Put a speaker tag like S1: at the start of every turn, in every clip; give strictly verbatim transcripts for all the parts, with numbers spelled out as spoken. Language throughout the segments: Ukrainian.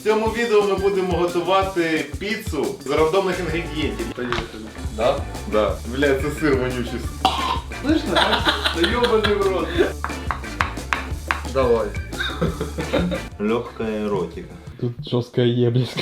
S1: В цьому відео ми будемо готувати піцу з рандомних інгредієнтів.
S2: Поехали.
S1: Да? Да. Бля, це сир вонючий.
S2: Слышно? Да ёбаный в рот. Давай.
S1: Легкая эротика.
S3: Тут жорстка єбліська.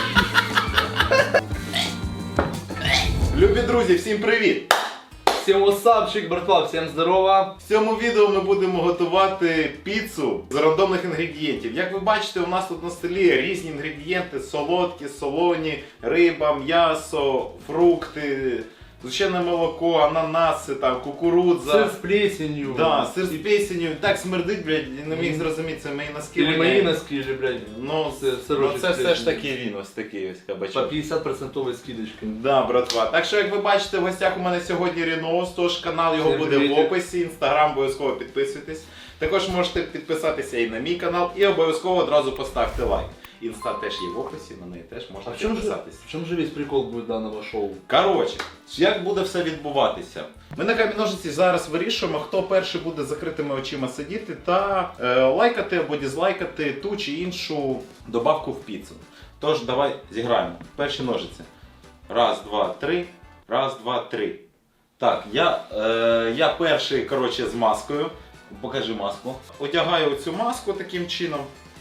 S1: Любі друзі, всім привіт!
S2: Всем васапчик, братва, всем здорово.
S1: В цьому відео ми будемо готувати піцу з рандомних інгредієнтів. Як ви бачите, у нас тут на столі різні інгредієнти: солодкі, солоні, риба, м'ясо, фрукти, згущене молоко, ананаси, там, кукурудза.
S2: Сыр с плесенью.
S1: Да, сир з плесенью. Так смердить, блядь, не міг зрозуміти, це мої носки.
S2: Или мои носки, или, блядь,
S1: Ну,
S2: Сир-
S1: ну
S2: сирочок
S1: це
S2: з
S1: все ж
S2: плесенью.
S1: таки він, ось такий ось
S2: по
S1: кабачок.
S2: пятьдесят процентов скидочкой.
S1: Да, братва. Так що, як ви бачите, в гостях у мене сьогодні Рінос, тож канал його
S2: Всім
S1: буде в
S2: привітик.
S1: описі, інстаграм обов'язково підписуйтесь. Також можете підписатися і на мій канал, і обов'язково одразу поставте лайк. Інста теж є в описі, на неї теж можна
S2: А в чем, же,
S1: підписатись.
S2: в чем же весь прикол будет данного шоу?
S1: Коротше, як буде все відбуватися? Ми на камінь-ножиці зараз вирішуємо, хто перший буде з закритими очима сидіти та е, лайкати або дізлайкати ту чи іншу добавку в піцу. Тож давай зіграємо. Перші ножиці. Раз, два, три. Раз, два, три. Так, я, е, я перший, коротше, з маскою. Покажи маску. Одягаю цю маску таким чином.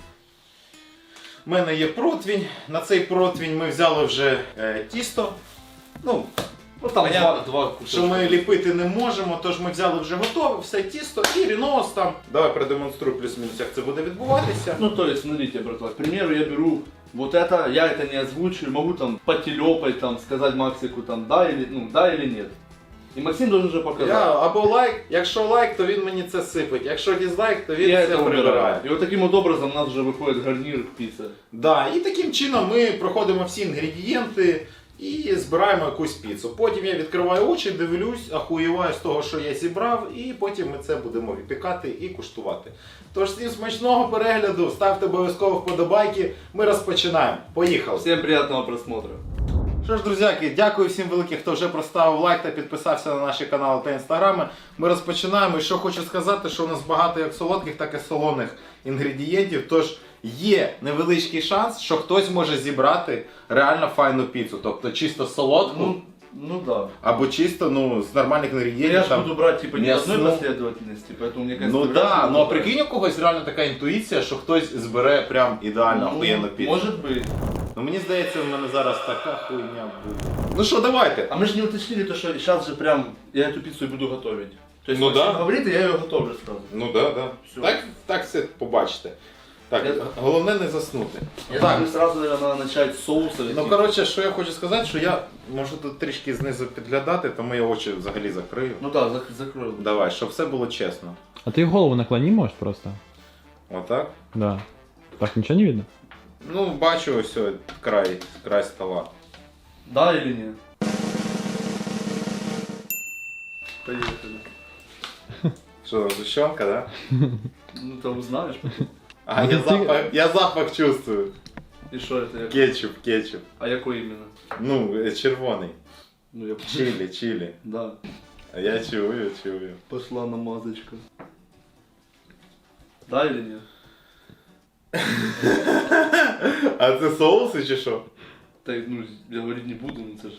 S1: У мене є противень. На цей противень ми взяли вже е, тісто. Ну,
S2: Ну там
S1: Понятно,
S2: два, два кусочка.
S1: що ми ліпити не можемо, тож ми взяли вже готове все тісто і рінос там. Давай продемонструю плюс-мінус, як це буде відбуватися.
S2: Ну то есть, смотрите, братва, к примеру, я беру вот это, я это не озвучиваю, могу там потелепать, там, сказать Максику, там, да или, ну, да или нет. И Максим должен уже показать.
S1: Я або лайк, якщо лайк, то він мені це сипить. Якщо дізлайк, то він
S2: Я
S1: це
S2: это
S1: прибирає.
S2: убираю. И вот таким вот образом у нас уже выходит гарнир к пицце.
S1: Да, і таким чином ми проходимо всі інгредієнти і збираємо якусь піцу. Потім я відкриваю очі, дивлюсь, ахуєваю з того, що я зібрав, і потім ми це будемо випікати і куштувати. Тож всім смачного перегляду, ставте обов'язково вподобайки, ми розпочинаємо. Поїхали!
S2: Всем приятного просмотра.
S1: Що ж, друзяки, дякую всім великим, хто вже проставив лайк та підписався на наші канали та інстаграми. Ми розпочинаємо. І що хочу сказати, що у нас багато як солодких, так і солоних інгредієнтів. Тож є невеличкий шанс, що хтось може зібрати реально файну піцу. Тобто чисто солодку,
S2: Ну, ну да.
S1: або чисто ну, з нормальних
S2: Но
S1: інгредієнтів.
S2: я же
S1: там,
S2: буду брать типа не в одной
S1: мясну.
S2: последовательности, поэтому мне кажется...
S1: Ну
S2: вряд ли
S1: да,
S2: буду
S1: ну а
S2: брать.
S1: прикинь, у когось реально така інтуїція, що хтось збере прям ідеально охуєнну
S2: Ну,
S1: піцу.
S2: может быть.
S1: Ну мені здається, в мене зараз така хуйня буде. Ну що, давайте.
S2: А мы же не уточнили то, что сейчас же прям я эту пиццу и буду готовить. То есть
S1: Ну
S2: Максим
S1: да.
S2: говорит, и я ее готовлю сразу.
S1: Ну да, да.
S2: Всё.
S1: Так, так все побачите. Так,
S2: Я-
S1: головне не заснути.
S2: Я
S1: Так.
S2: думаю, сразу, наверное, надо начать с соуса.
S1: Ну коротше, що я хочу сказати, що я можу тут трішки знизу підглядати, тому я очі взагалі закрию.
S2: Ну да, зак закрою.
S1: Давай, щоб все було чесно.
S3: А ты голову наклони, может, просто?
S1: Отак.
S3: Да. Так ничего не видно?
S1: Ну, бачу ось ось край, край стола.
S2: Да или нет? Поехали.
S1: Що там, зущенка, да?
S2: Ну ты узнаешь.
S1: А,
S3: Ну,
S1: я
S3: ти-
S1: запах, я запах чувствую.
S2: И что это? Я...
S1: Кетчуп, кетчуп.
S2: А якой именно?
S1: Ну, е, червоний.
S2: Ну я...
S1: Чилі, чилі.
S2: Да.
S1: А я чую, чую.
S2: Пошла намазочка. Да или нет?
S1: А це соуси чи що?
S2: Так, ну, я говорить не буду, ну это ж...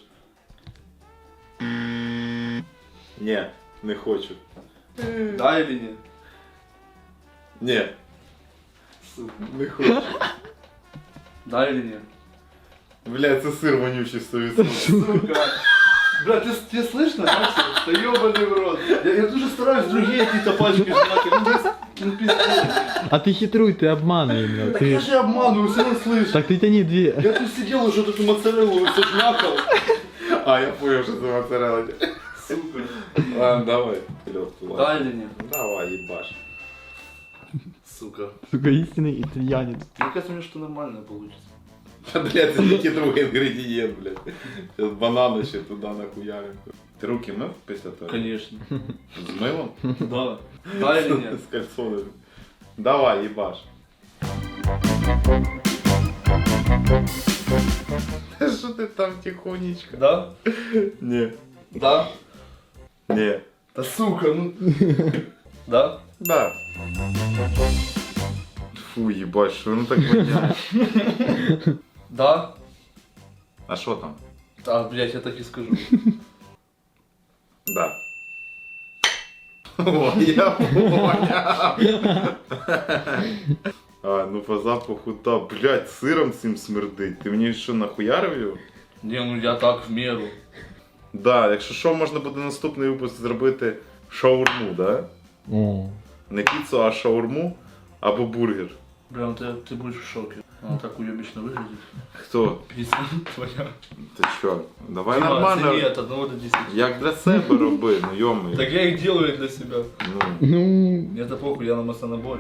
S1: Ні, не хочу.
S2: Да или нет?
S1: Ні,
S2: Сука.
S1: не хочу.
S2: Да или нет?
S1: Бля, це сир вонючий сто відсотків.
S2: Сука. Бля, ты, тебе слышно, Максим? Да ёбаный в рот. Я, я тоже стараюсь другие какие-то пачки жрать. Ну, без- ну, пиздец.
S3: А ты хитруй, ты обманывай меня.
S2: Так я
S3: Ты...
S2: же обманываю, все равно слышу.
S3: Так ты тяни две.
S2: Я тут сидел уже вот эту моцареллу все жмякал.
S1: А, я понял, що це моцарелла.
S2: Сука.
S1: Ладно, давай. Лёгку, ладно.
S2: Да или нет?
S1: Давай, ебаш.
S2: Сука.
S3: Сука, истинный итальянец.
S2: Мне кажется, мне что нормально получится.
S1: Та, блядь, це тільки другий інгредієнт, блядь. Зараз банани ще туди нахуярим. Ти руки мив після того?
S2: Конечно.
S1: З милом?
S2: Да. Да или нет?
S1: З кальсонами. Давай, їбаш. Що ти там тихонечко?
S2: Да?
S1: Ні.
S2: Да?
S1: Ні.
S2: Да сука, ну... Да?
S1: Да. Фу, їбать, що воно так воняє.
S2: Да?
S1: А що там?
S2: А, блядь, я так и скажу.
S1: Да. О, я понял. А, ну по запаху, да, блядь, сиром цим смердить. Ти мені що, нахуярив його?
S2: Не, ну я так в меру.
S1: Да, якщо що, можна буде наступний випуск зробити шаурму, да?
S3: О.
S1: Не піцу, а шаурму або бургер.
S2: Прям ты, ты будешь в шоке. Она так уебично выглядит.
S1: Хто?
S2: Пицца твоя.
S1: Ти що? Давай
S2: Дима,
S1: нормально.
S2: оцени от одного до десяти.
S1: Як для себе роби, ну йомий.
S2: Так я их делаю для себя.
S1: Ну.
S3: Ну,
S2: Мне это похуй, я на маслонаборе.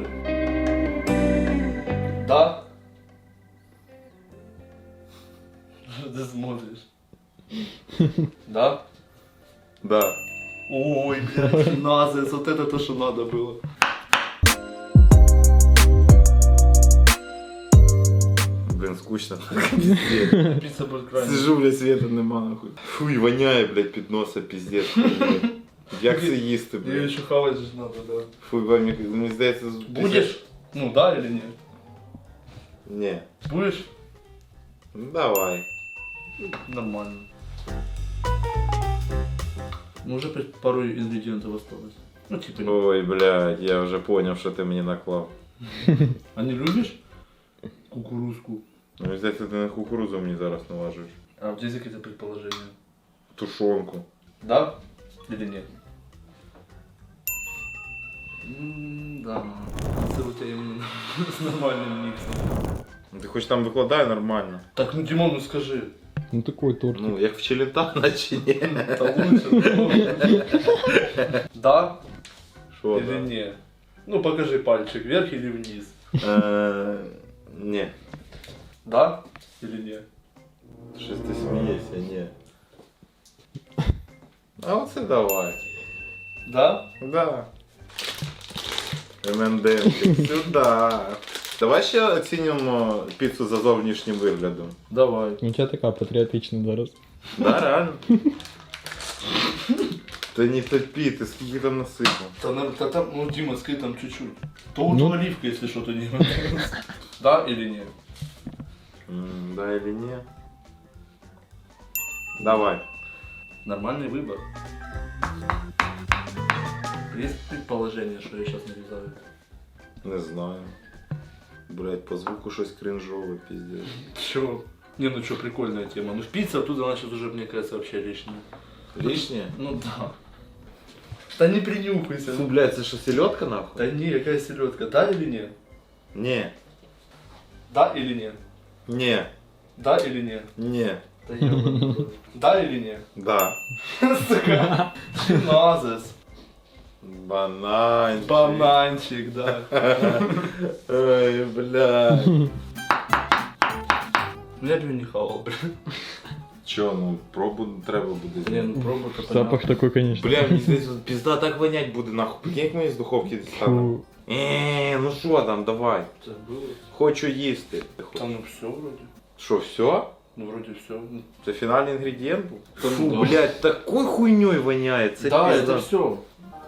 S2: Да? Что ты смотришь? Да?
S1: Да.
S2: Ой, блядь, назис, вот это то, что надо было.
S1: Блін, скучно.
S2: Пицца будет крайне.
S1: Сижу, блядь, света нема нахуй. Фуй, воняє, блядь, під носа, піздець. блядь. Як це їсти,
S2: Ее
S1: блядь?
S2: еще хавать же надо, да.
S1: Фуй, мені, мені здається... з-
S2: Будешь? Ну да или нет?
S1: Ні.
S2: Будешь?
S1: Ну давай.
S2: Нормально. Ну уже пи- пару ингредиентов осталось. Ну типа,
S1: Ой, блядь, я вже поняв, що ти мені наклав.
S2: а не любишь кукурузку?
S1: Ну, мені здається, ти на кукурузу мені зараз налажуєш.
S2: А вот здесь какие-то предположения.
S1: Тушонку.
S2: Да? Или нет? М, да. Это у тебя именно с нормальным миксом.
S1: Ну, ти хоч там викладай нормально.
S2: Так, ну Димон, ну скажи.
S3: ну такой торт.
S1: Ну, як в Челентано чи ні?
S2: Это лучше. Да
S1: Що
S2: или
S1: там?
S2: нет? Ну покажи пальчик, вверх или вниз.
S1: Е, Ні.
S2: Да или нет?
S1: Щось ти смієшся, ні. А оце давай.
S2: Да?
S1: Да. ем енд емчик, сюда. Давай ще оцінюємо піцу за зовнішнім виглядом.
S2: Давай.
S3: У тебя такая патриотичная зараз.
S1: Да, реально. Та не топи, ти скільки там насипав.
S2: Та, на- та там, ну Дима, скажи там чуть-чуть. То вот
S3: Ну.
S2: оливка, если что-то не Да или нет?
S1: М, Да или ні? Давай.
S2: Нормальный выбор. Есть предположение, что я сейчас нарезаю?
S1: Не знаю. Блять, по звуку щось кринжове, пиздец.
S2: Чё? Не, ну что, прикольная тема. Ну пицца оттуда, она сейчас уже, мне кажется, вообще лишняя.
S1: Лишнє?
S2: Ну да. Да не принюхайся.
S1: Фу, блядь, це що, селедка нахуй?
S2: Да не, какая селедка. Да или нет?
S1: Ні.
S2: Да или нет?
S1: Ні.
S2: Да или нет?
S1: Ні.
S2: Да, я... да или нет?
S1: Да.
S2: Сука. Назис.
S1: Бананчик.
S2: Бананчик, да.
S1: Ой, блядь.
S2: Ну я бы не хавал, блин.
S1: Чо, ну пробу треба буде.
S2: Не, ну пробуй-ка
S3: Запах
S2: понятно.
S3: такой, конечно.
S1: Бля, мені здається, пізда так вонять буде нахуй. Прикинь, як ми з духовки дістанемо.
S3: Фу.
S1: Еee, ну що там, давай.
S2: Забыл.
S1: Хочу їсти.
S2: Там ну все вроде.
S1: Що, все?
S2: Ну вроде все.
S1: Це фінальний інгредієнт був?
S2: Та
S1: Фу,
S2: ну да.
S1: блядь, такой хуйньою воняє. Це
S2: Да,
S1: пізда.
S2: это все.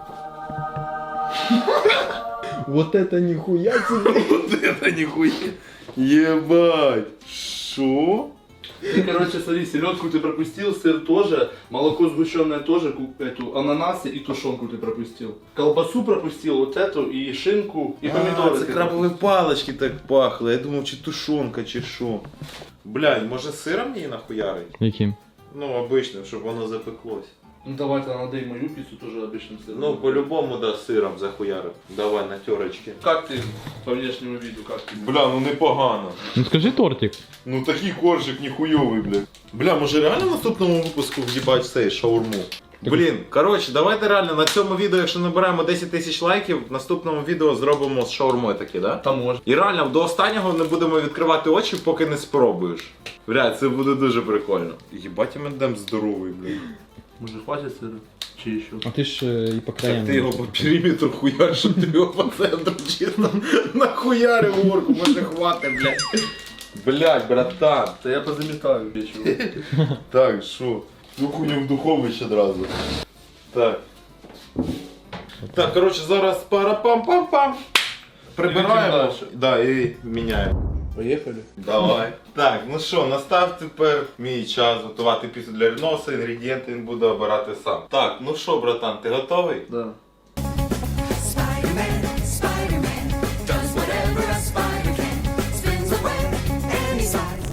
S3: Вот это нихуя себе.
S1: Вот это нихуя. Ебать. Шо?
S2: Ты, короче, смотри, селедку ты пропустил, сыр тоже, молоко сгущенное тоже, ку- эту ананасы и тушенку ты пропустил. Колбасу пропустил, вот эту, и шинку, и помидоры.
S1: А, це
S2: ты
S1: крабові палички так пахли. Я думав, чи тушонка, чи що. Блядь, може сиром її нахуярить?
S3: Яким?
S1: Ну, обичним, щоб воно запеклось.
S2: Ну давай тогда надо и мою пиццу тоже обычным сыром.
S1: Ну, по-любому, да, сиром захуярив. Давай, на терочки.
S2: Как ты по внешнему виду, как ты?
S1: Бля, ну непогано.
S3: Ну скажи тортик.
S1: Ну такий коржик ніхуйовий, бля. Бля, може реально в наступному випуску в'їбать цей шаурму? Блін, коротше, давайте реально на цьому відео, якщо набираємо десять тисяч лайків, в наступному відео зробимо з шаурмою таке, да?
S2: Там можно.
S1: І реально до останнього не будемо відкривати очі, поки не спробуєш. Бля, це буде дуже прикольно. Єбать, ем енд ем здоровий, бля.
S2: Может хватит сыра? Чи еще?
S3: А ты ж э, и по краям.
S1: Так ти його по периметру хуяриш, щоб ти його по центру чисто нахуярив горку, може хватить, блядь. Блядь, братан.
S2: Да я позаметаю вечером.
S1: Так, що? Цю хуйню в духовище одразу. Так. Так, коротше, зараз пара-пам-пам-пам. прибираємо
S2: дальше.
S1: да, і міняємо.
S2: Поїхали.
S1: Давай. Так, ну що, настав тепер мій час готувати піцу для Ріноса, інгредієнти він буде обирати сам. Так, ну що, братан, ти готовий?
S2: Да.
S4: Spider-Man, Spider-Man, does whatever a spider can. Spins a web any size.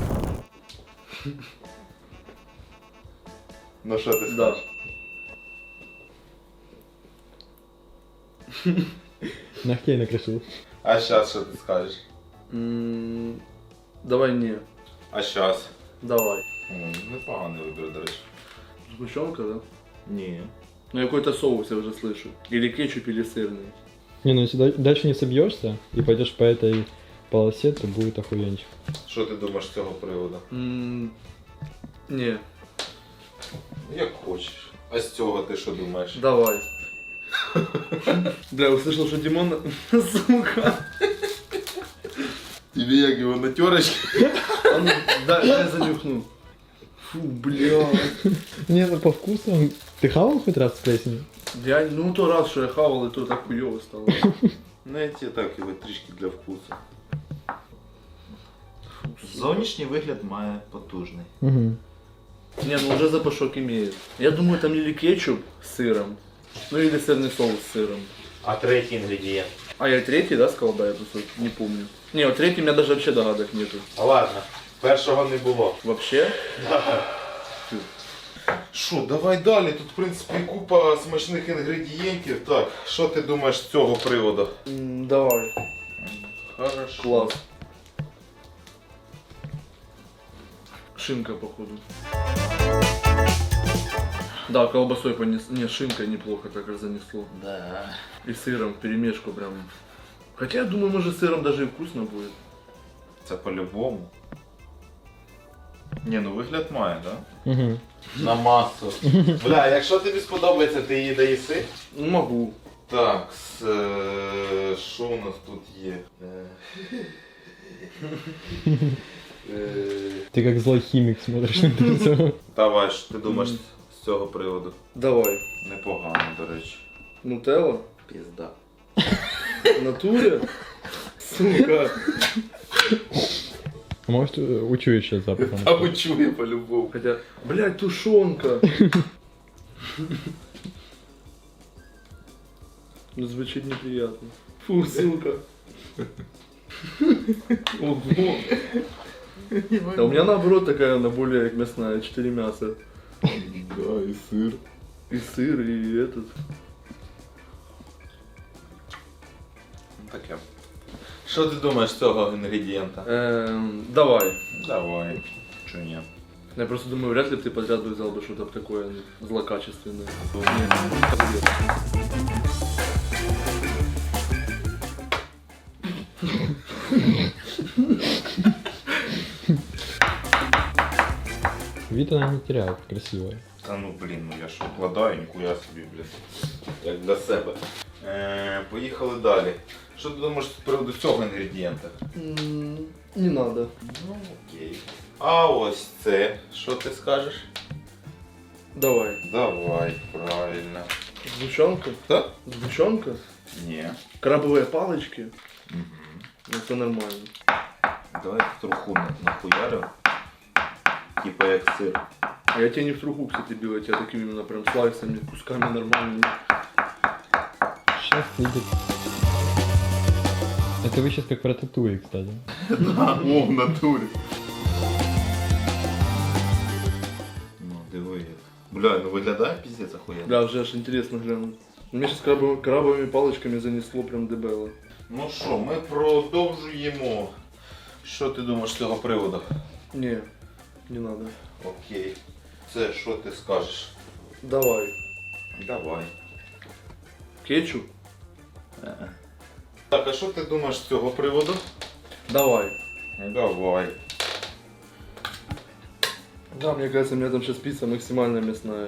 S1: Ну що ти
S2: Да.
S1: скажеш?
S3: Ногтей накрошил.
S1: А зараз що ти скажеш?
S2: М, Давай не.
S1: А зараз?
S2: Давай.
S1: Непоганий вибір, до речі.
S2: Сгущенка, да?
S1: Ні.
S2: Ну какой-то соус я уже слышу. Или кетчуп, или сырный.
S3: Не, ну если да- дальше не собьешься и пойдешь по этой полосе, то будет охуенчик.
S1: Що ти думаєш з цього приводу?
S2: М, Не.
S1: Як хочеш. А з цього ти що думаєш?
S2: Давай. Бля, услышал, что Димон... Сука.
S1: Тобі як його на терочки?
S2: А ну, дай, дай занюхну. Фу, бля.
S3: Не, ну по вкусу. Ты хавал хоть раз с плесенью?
S2: Я, ну то раз, что я хавал, и то так хуёво стало.
S1: Ну я тебе так його трішки для вкусу. Зовнішній вигляд має потужний.
S3: Угу.
S2: Не, ну уже запашок имеет. Я думаю, там или кетчуп с сыром, ну или сырный соус с сыром.
S1: А третій інгредієнт?
S2: А я третий, да, сказал, да, я просто не помню. Не, вот третий у меня даже вообще догадок нету.
S1: Ладно, першого не було.
S2: Вообще?
S1: Що, давай далі. Тут, в принципі, купа смачних інгредієнтів. Так, що ти думаєш з цього приводу?
S2: М, давай.
S1: Хорошо.
S2: Класс. Шинка, походу. Да, колбасой понес... Не, шинкой неплохо так занесло.
S1: Да.
S2: И сыром в перемешку прям. Хотя я думаю, может, с сыром даже и вкусно будет.
S1: Це по-любому. Ні, ну вигляд має, так? Да?
S3: Угу.
S1: На масу. Бля, якщо тобі сподобається, ти її доїси.
S2: Ну, могу.
S1: Так, с, е, що у нас тут є? Е, е,
S3: Ты как злой химик смотришь на это всё.
S1: Давай, що ти думаєш з цього приводу?
S2: Давай.
S1: Непогано, до речі.
S2: Нутелла?
S1: Пізда.
S2: В натуре? Сука.
S3: А может, э, учуешь сейчас запахом?
S1: А учує по-любому.
S2: Хотя, блядь, тушенка. Ну, звучит неприятно. Фу, сука. Ого. Да у меня наоборот такая, она более как мясная, четыре мяса.
S1: Да, і сир.
S2: И сыр, и этот.
S1: Таке. Що ти думаєш з цього інгредієнта?
S2: Эм, давай.
S1: Давай. Чо ні?
S2: Я просто думаю, вряд ли бы ты подряд бы взял бы что-то такое злокачественное.
S3: Вид она не теряет, красивая.
S1: Та ну блін, ну я що вкладаю, ніхуя собі, блін. Як для себе. Е, поїхали далі. Що ти думаєш з приводу цього інгредієнта?
S2: М, Не надо.
S1: Ну окей. А ось це, що ти скажеш?
S2: Давай.
S1: Давай, правильно.
S2: Сгущенка?
S1: Так?
S2: Сгущенка?
S1: Ні.
S2: Крабовые палочки?
S1: Угу.
S2: Ну, это нормально.
S1: Давай труху на- нахуярю. Типа як сир.
S2: А я тебе не в труху, кстати, бил, я тебя такими именно прям слайсами, кусками нормальными.
S3: Сейчас видит. Это вы сейчас как про татуи, кстати.
S1: О, в натурі. Ну, диви. Бля, ну виглядає піздець охуєнно.
S2: Бля, уже аж интересно глянуть. Мне сейчас крабовыми, крабовыми палочками занесло прям дебело.
S1: Ну що, ми продовжуємо. Що ти думаєш з цього приводу?
S2: Не, не надо.
S1: Окей. Це що ти скажеш?
S2: Давай.
S1: Давай.
S2: Кетчуп?
S1: Так, а що ти думаєш з цього приводу?
S2: Давай.
S1: Давай.
S2: Да, мне кажется, у меня там сейчас пицца максимально мясная.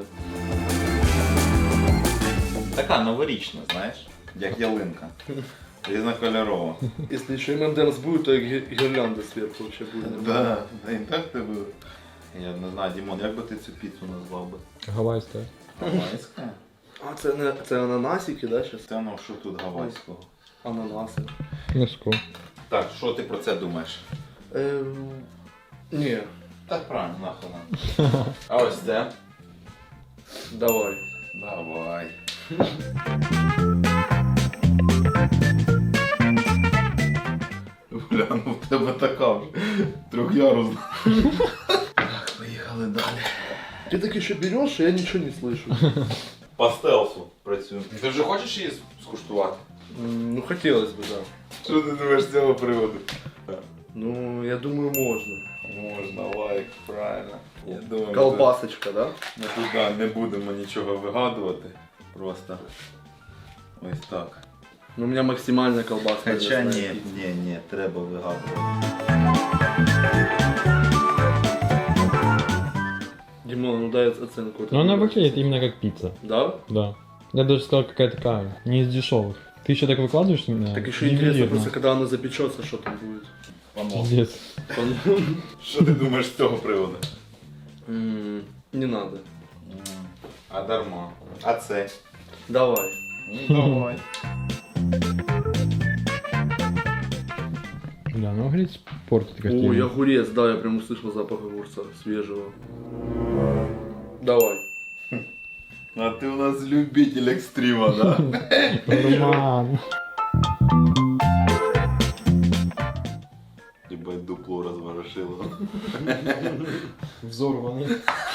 S1: Така новорічна, знаєш, як ялинка. Різнокольорова.
S2: Если еще эм энд эмс будет, то и гир- гирлянда сверху вообще будет.
S1: Да, да і так тебе. Я не знаю, Дімон, як би ти цю піцу назвав би?
S3: Гавайская.
S1: Гавайська?
S2: А, це, не, це ананасики, да, сейчас?
S1: Це ну що тут гавайського?
S2: Ананаси.
S3: Легко.
S1: Так, що ти про це думаєш?
S2: Ем... Ні,
S1: Так правильно, нахуй нам. А ось це?
S2: давай.
S1: Давай. Гляну, в тебе така вже трьохярусна. Так, поїхали далі.
S2: Ты так еще берешь, и я ничего не слышу.
S1: По стелсу працюємо. Ти вже хочеш її скуштувати?
S2: М, Ну, хотелось бы, да.
S1: Що ти думаєш з цього приводу?
S2: Ну, я думаю, можно.
S1: Можна, лайк, правильно. Я думаю,
S2: Колбасочка, да?
S1: ми тут да, не будемо нічого вигадувати. Просто ось так.
S2: Ну, у меня максимальная колбаска.
S1: Хоча
S2: для
S1: ні,
S2: снайпи.
S1: ні, ні, треба вигадувати.
S2: Димон, ну дай оценку.
S3: Но она выглядит именно как пицца.
S2: Да?
S3: Да. Я даже сказал, какая такая, не из дешевых. Ты еще так выкладываешь меня?
S2: Так еще интересно, просто когда она запечется, что там будет.
S1: Помог.
S3: Пиздец.
S1: Що ти думаєш з цього приводу?
S2: М, Не надо.
S1: А дарма. А це?
S2: Давай.
S1: Ну давай.
S3: Да, ну огурец портит картину.
S2: Ой, огурец, да, я прям услышал запах огурца свежего. Давай.
S1: А ти у нас любитель екстрима, да?
S3: Роман.
S1: Ебать, дупло розворошило.
S3: Взорванный.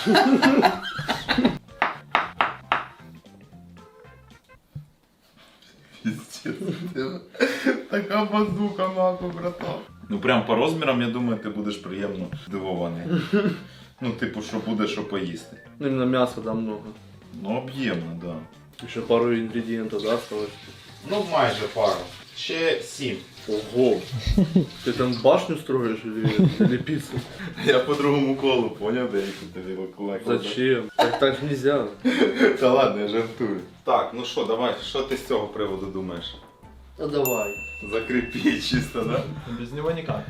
S1: Пиздец. Така базука нахуй, братан. Ну прям по розмірам, я думаю, ти будеш приємно здивований. Ну, типу, що буде, що поїсти.
S2: Ну, именно мяса, да, много.
S1: Ну, об'ємно, да.
S2: Еще пару ингредиентов, да, осталось?
S1: Ну, майже пару. Ще сім.
S2: Ого! Ты там башню строишь или, или пиццу?
S1: Я по другому колу поняв, де які тобі викладати.
S2: Зачем? Так, так нельзя.
S1: Та ладно, я жартую. Так, ну що, давай, що ти з цього приводу думаєш?
S2: Ну давай.
S1: Закріпи чисто, да?
S3: Без него никак.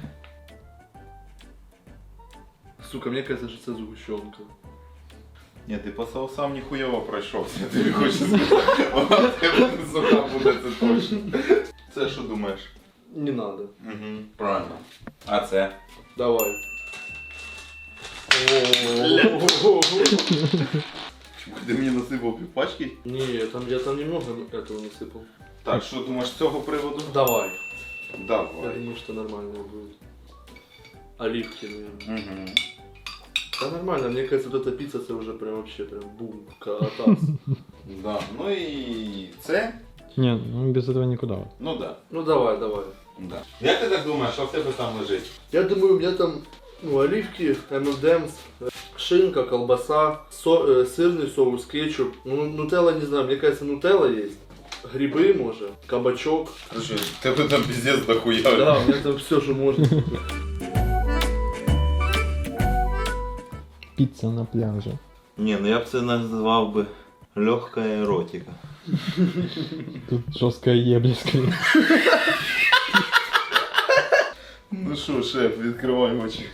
S2: Сука, мне кажется, что это сгущенка.
S1: Ні, ти по соусам ніхуйово пройшовся, я тобі хочу сказати. Вона в тебе не суха буде, це точно. Це що думаєш?
S2: Не надо.
S1: Угу, правильно. А це?
S2: Давай.
S1: Чому ти мені насипав півпачки?
S2: Не, там, я там немного этого насыпал.
S1: Так, що думаєш з цього приводу?
S2: Давай. Я
S1: Давай.
S2: думаю, что нормально будет. Оливки, наверное.
S1: Угу.
S2: Да нормально, мне кажется, вот эта пицца это уже прям вообще прям бум, катас.
S1: Да. Ну і це?
S3: Не, ну без этого никуда.
S1: Ну да.
S2: Ну давай, давай.
S1: Да. Як ти так думаєш, що в тебе там лежить?
S2: Я думаю, у меня там ну, оливки, эм энд эмс, шинка, колбаса, со, э, сырный соус, кетчуп. Ну, нутелла не знаю, мне кажется, нутелла есть. Грибы, может, кабачок.
S1: Слушай, в тебе там пиздец дохуя.
S2: Да, у меня там все, что можно.
S3: Пицца на пляже.
S1: Ні, ну я б це назвав би легка еротика.
S3: Тут жесткая ебля скорее.
S1: Ну що, шеф, відкривай очі.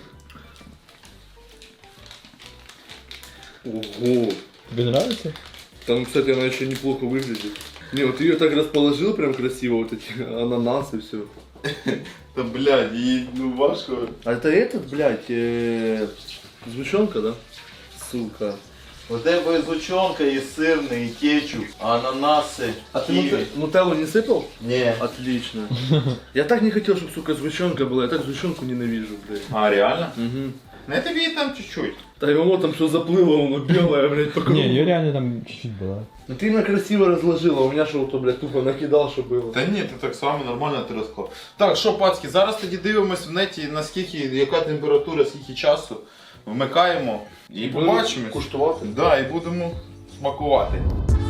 S2: Ого.
S3: Тебе нравится?
S2: Там, кстати, она еще неплохо выглядит. Не, вот ты ее так расположил прям красиво, вот эти ананасы, все.
S1: Та блядь, їй ну важко.
S2: А это этот, блядь, э, сгущенка, да? Сука.
S1: У тебе зучонка, і сирний, і кетчуп, ананаси,
S2: А ты
S1: ківі.
S2: нут- нутеллу не сыпал?
S1: Ні.
S2: Отлично. Я так не хотел, чтобы, сука, сгущенка была. Я так сгущенку ненавижу, блядь.
S1: А, реально?
S2: Угу.
S1: Не тобі і там чуть-чуть.
S2: Да и оно там все заплыло, оно белое, блядь, по кругу.
S3: Не, ее реально там чуть-чуть была.
S2: Ну ты именно красиво разложила, у меня что то, блядь, тупо накидал, что было.
S1: Та ні, ти так само нормально ти розклав. Так, що, пацки, зараз тоді дивимось в неті, наскільки, яка температура, скільки часу. Вмикаємо і
S2: Будемо
S1: побачимось.
S2: куштувати.
S1: Да, і будемо смакувати.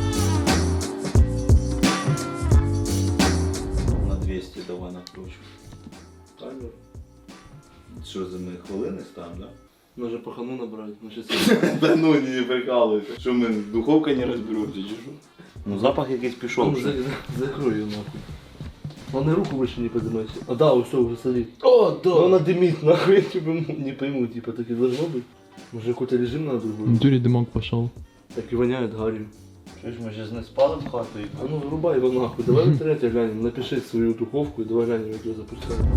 S1: На двісті давай накручу.
S2: Таймер.
S1: Що за ми хвилини ставимо, да?
S2: Надо пахану набрать. Ну, сейчас...
S1: Та ну не прикалуйся. Що ми, духовка не розберуться, чи що? Ну запах якийсь пішов.
S2: Ну, за- за- закрой ее нахуй. Он и руку выше не поднимайся. А да, все, уже смотри.
S1: О, да!
S2: Но она дымит, нахуй, я типа не пойму, типа так и должно быть. Может какой-то режим надо другой?
S3: Дури дымок пошел.
S2: Так и воняет гарью.
S5: Чуєш, ми ще не спалим хату і
S2: А ну врубай его нахуй, давай в интернете глянем, напиши свою духовку и давай глянем, как ее запускаем.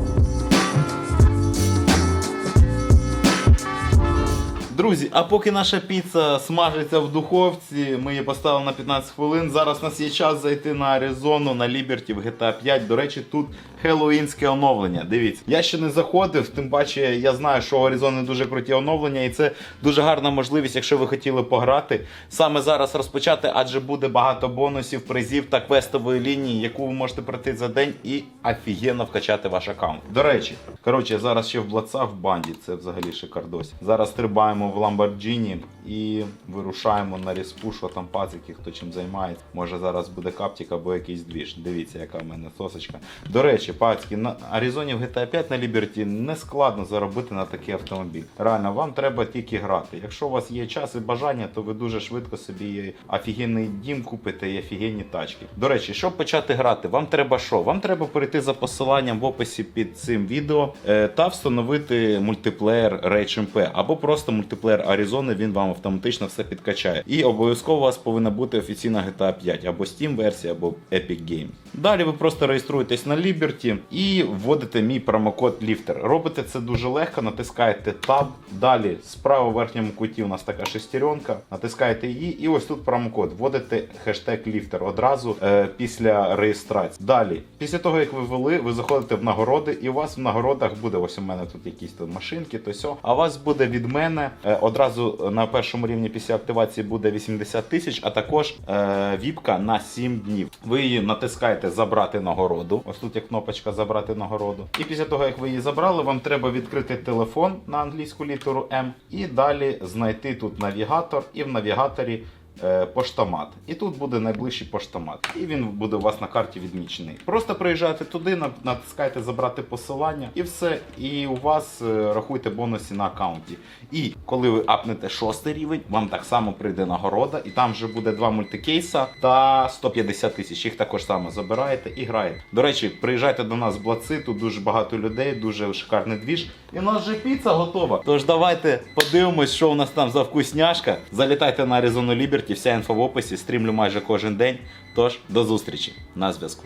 S1: Друзі, а поки наша піца смажиться в духовці, ми її поставили на п'ятнадцять хвилин. Зараз у нас є час зайти на Arizona, на Liberty в джі ті ей п'ять. До речі, тут хеллоуінське оновлення. Дивіться, я ще не заходив, тим паче я знаю, що у Arizona дуже круті оновлення, і це дуже гарна можливість, якщо ви хотіли пограти, саме зараз розпочати, адже буде багато бонусів, призів та квестової лінії, яку ви можете пройти за день і офігенно вкачати ваш аккаунт. До речі, коротше, зараз ще в Блаца в банді, це взагалі шикардос. Зараз стрибаємо в Lamborghini і вирушаємо на респу, що там пацики, хто чим займається. Може зараз буде каптик або якийсь двіж. Дивіться, яка в мене сосочка. До речі, пацики, на Arizona в джі ті ей п'ять на Liberty не складно заробити на такий автомобіль. Реально, вам треба тільки грати. Якщо у вас є час і бажання, то ви дуже швидко собі офігенний дім купите і офігенні тачки. До речі, щоб почати грати, вам треба що? Вам треба перейти за посиланням в описі під цим відео е, та встановити мультиплеєр Rage ем пі або просто мультиплеєр Arizona, він вам автоматично все підкачає. І обов'язково у вас повинна бути офіційна джі ті ей п'ять або Steam версія, або Epic Games. Далі ви просто реєструєтесь на Liberty і вводите мій промокод ліфтер. Робите це дуже легко, натискаєте Tab. Далі справа в верхньому куті у нас така шестеренка, натискаєте її і ось тут промокод. Вводите хештег ліфтер одразу е, після реєстрації. Далі, після того як ви ввели, ви заходите в нагороди і у вас в нагородах буде, ось у мене тут якісь тут машинки, то сьо. А у вас буде від мене е, одразу на першому рівні після активації буде вісімдесят тисяч, а також е, віпка на сім днів. Ви її натискаєте забрати нагороду. Ось тут є кнопочка забрати нагороду. І після того, як ви її забрали, вам треба відкрити телефон на англійську літеру М і далі знайти тут навігатор і в навігаторі е, поштомат. І тут буде найближчий поштомат. І він буде у вас на карті відмічений. Просто приїжджаєте туди, натискаєте забрати посилання і все. І у вас е, рахуйте бонуси на аккаунті. І коли ви апнете шостий рівень, вам так само прийде нагорода, і там вже буде два мультикейса та сто п'ятдесят тисяч. Їх також само забираєте і граєте. До речі, приїжджайте до нас в Блаці, тут дуже багато людей, дуже шикарний двіж. І у нас вже піца готова. Тож давайте подивимось, що у нас там за вкусняшка. Залітайте на Arizona Liberty, вся інфа в описі, стрімлю майже кожен день. Тож, до зустрічі на зв'язку.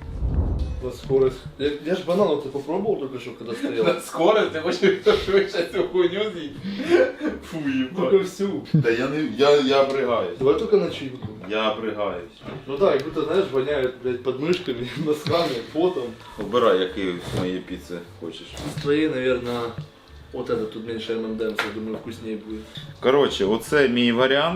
S2: На скорость. Я, я ж банан, ты попробовал только что, когда стоял?
S1: Скорость, ти хочеш швидше цю хуйню з'їсть? Фу,
S2: Только всю.
S1: Та я не, я, я бригаюсь.
S2: Давай только начинку.
S1: Я бригаюсь.
S2: Ну да, как будто, знаешь, воняет, блядь, подмышками, носками, потом.
S1: Обирай, який з моєї піци хочеш.
S2: С твоей, наверное, вот этот тут меньше эм энд эмс, я думаю, вкуснее будет.
S1: Коротше, оце мій варіант.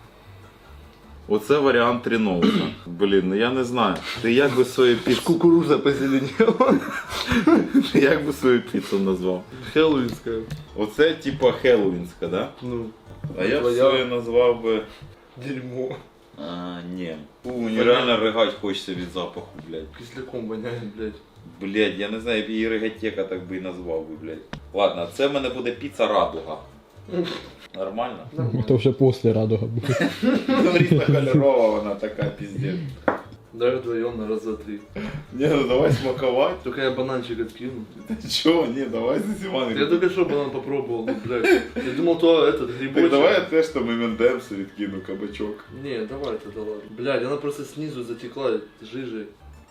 S1: Оце варіант Ріноуса. Блін, ну я не знаю. Ти як би свою піцу...
S2: Кукуруза позеленела.
S1: Ти як би свою піцу назвав?
S2: Хэллоуинская.
S1: Оце типа хеллоуінська, да?
S2: Ну,
S1: А я б
S2: твоя.
S1: свою назвав би...
S2: Дерьмо.
S1: А, ні. Фу, мені реально ригать хочеться від запаху, блядь.
S2: Кисляком воняет, блядь.
S1: Блядь, я не знаю, я б її ригатека так би і назвав би, блядь. Ладно, це в мене буде піца радуга. Нормально?
S3: Это уже после радуга будет.
S1: Ну, різнокольорова вона така, піздець.
S2: Давай вдвоем на раз, два, три.
S1: Ні, ну давай смакувати.
S2: Только я бананчик откину.
S1: Чого? Ні, давай засіваний.
S2: Я только что банан попробовал, ну, блядь. Я думал, то этот грибочек.
S1: Так давай я теж там эм энд эмс відкину, кабачок.
S2: Не, давай тогда ладно. Блядь, она просто снизу затекла жижей.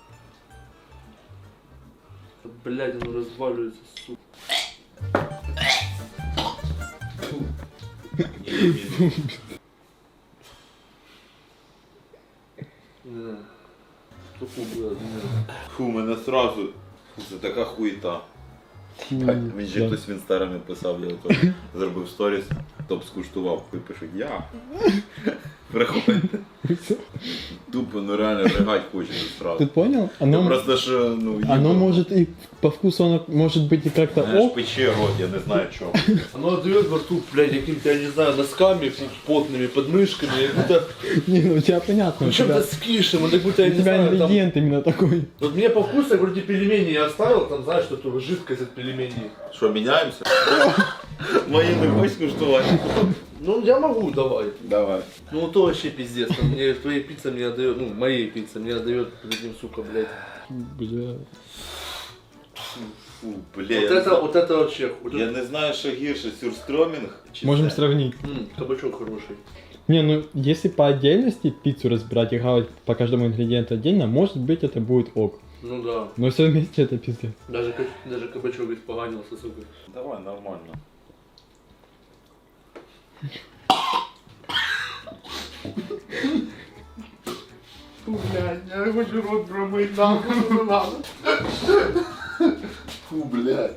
S2: Блядь, оно разваливается, сука. Не. Фу, блядь, не.
S1: Фу, мене сразу. Фу, це така хуєта. Він ще
S3: Да.
S1: хтось в інстаграмі писав, я ото зробив сторіс, топ скуштував, хуй пишуть я. Приходить. Тупо, ну реально ригать хочеться
S3: Ты
S1: сразу.
S3: понял?
S1: Це
S3: Оно,
S1: просто що, ну,
S3: оно
S1: їбало.
S3: может и по вкусу, оно может быть и как-то
S1: Знаєш,
S3: ок.
S1: пече рот, я не знаю чого.
S2: Оно отдает во рту, блядь, каким-то, я не знаю, носками потными, подмышками, как будто,
S3: Не, ну у тебя понятно,
S2: ну
S3: у тебя,
S2: чем-то с кишем, вот как будто, я
S3: у
S2: не
S3: тебя
S2: знаю, там...
S3: ингредиент именно такой.
S2: Вот мне по вкусу, я вроде пельмени я оставил, там, знаешь, что-то жидкость от пельменей.
S1: Що, міняємося? Мої не хочеш скуштувати?
S2: Ну, я могу, давай.
S1: Давай.
S2: Ну, то вообще пиздец, там мне твоя пицца мне отдает, ну, моей пицца мне отдает, этим, сука, блядь.
S3: Бля.
S1: Фу, бля,
S2: Вот
S1: я, не
S2: это,
S1: знаю,
S2: вот это вообще. Вот
S1: я
S2: это-
S1: не знаю, що гірше, сюрстромінг чи
S3: Можем
S1: це?
S3: сравнить.
S2: М, кабачок хороший.
S3: Не, ну если по отдельности пиццу разбирать и хавать по каждому ингредиенту отдельно, может быть это будет ок.
S2: Ну да.
S3: Но все вместе это пиздец.
S2: Даже, ка- даже кабачок испоганился, сука.
S1: Давай, нормально.
S2: Фу, блядь, я хочу рот промыть, нахуй, не надо.
S1: Фу, блядь.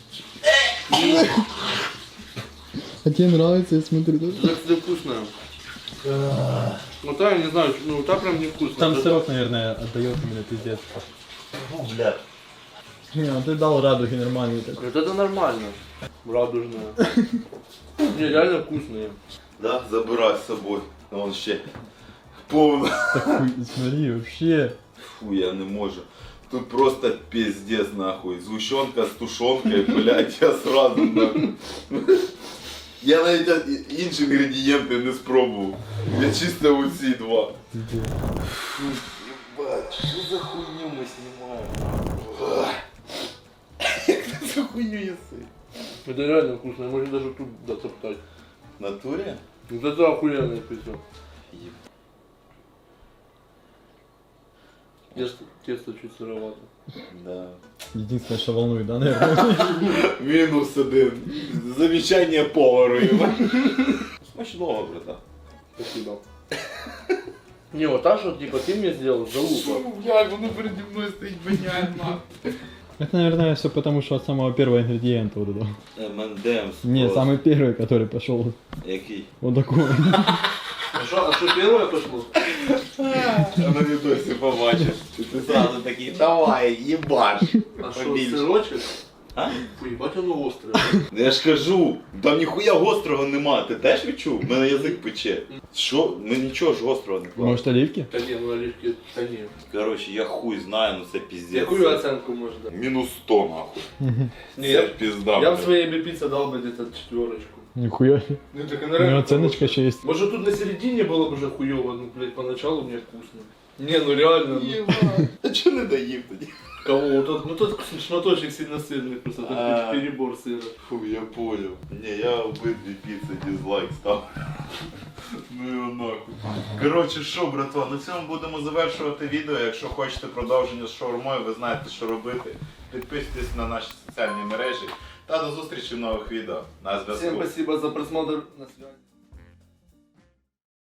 S3: А тебе нравится, я смотрю, да?
S2: Это, кстати, вкусная. Ну та, я не знаю, ну та прям невкусная.
S3: Там
S2: Это-
S3: сырок, наверное, отдает именно пиздец.
S1: Фу, блядь.
S3: Не, ну ты дал радуги нормальный такой.
S2: Вот это нормально. Радужная. Не, реально вкусные.
S1: Да, забирай з собою. Вон ще повно.
S3: Хуй, смотри, вообще.
S1: Фу, я не можу. Тут просто пиздец нахуй. Згущенка з тушонкою, блядь, я сразу нахуй. Я навіть інші інгредієнти не спробував. Я чисто оці два. Фу, ебать, що за хуйню ми знімаємо? Як ти цю хуйню їси?
S2: Это реально вкусно, можно даже тут дотоптать.
S1: В натурі?
S2: Вот это охуенное пиццу.
S1: Еб-
S2: Тесто, тесто чуть сыровато.
S1: Да.
S3: Единственное, что волнует, да, наверное?
S1: Мінус один. Замічання повару його. Смачного, брата.
S2: Спасибо. Не, вот так что, типа, ты мне сделал залупа.
S1: Блядь, воно переді мною стоїть воняє нахуй.
S3: Это, наверное, все потому, что от самого первого ингредиента вот этого.
S1: Ем енд емс.
S3: Не, самый первый, который пошел.
S1: Який?
S3: Вот такой.
S2: А что, а что первое пошло?
S1: Я на відосі побачив. І ти сразу такий, давай, їбаш.
S2: А что,
S1: Побільше.
S2: сырочек?
S1: А?
S2: Фу, ебать оно острое.
S1: Я ж кажу, там ніхуя гострого нема. Ти теж відчув? У мене язик пече. Що? Ми нічого ж гострого не клали.
S3: Может, оливки?
S2: Да не, ну оливки, да не.
S1: Коротше, я хуй знаю, ну це піздець.
S2: Какую оценку можно дать?
S1: Мінус сто нахуй.
S2: Не,
S1: Це
S2: я,
S1: пізда.
S2: я в
S1: блядь.
S2: своей бипице дал бы где-то четверочку.
S3: Нихуя.
S2: Ну так
S3: У него оценочка еще есть.
S2: Может тут на середине было бы уже хуёво, ну блядь, поначалу мне вкусно. Не, ну реально. Ну,
S1: Єба. А чого не доїв тоді?
S2: кого? Вот тот, ну тот шматочек сильно сырный, просто тут
S1: А.
S2: перебор сыра.
S1: Фу, я понял. Не, я обидві піци дизлайк став. Ну його нахуй. Коротше, що, братва, на цьому будемо завершувати відео. Якщо хочете продовження з шаурмою, ви знаєте, що робити. Підписуйтесь на наші соціальні мережі. Та до зустрічі в нових відео. На зв'язку.
S2: Всем спасибо за просмотр. На связи.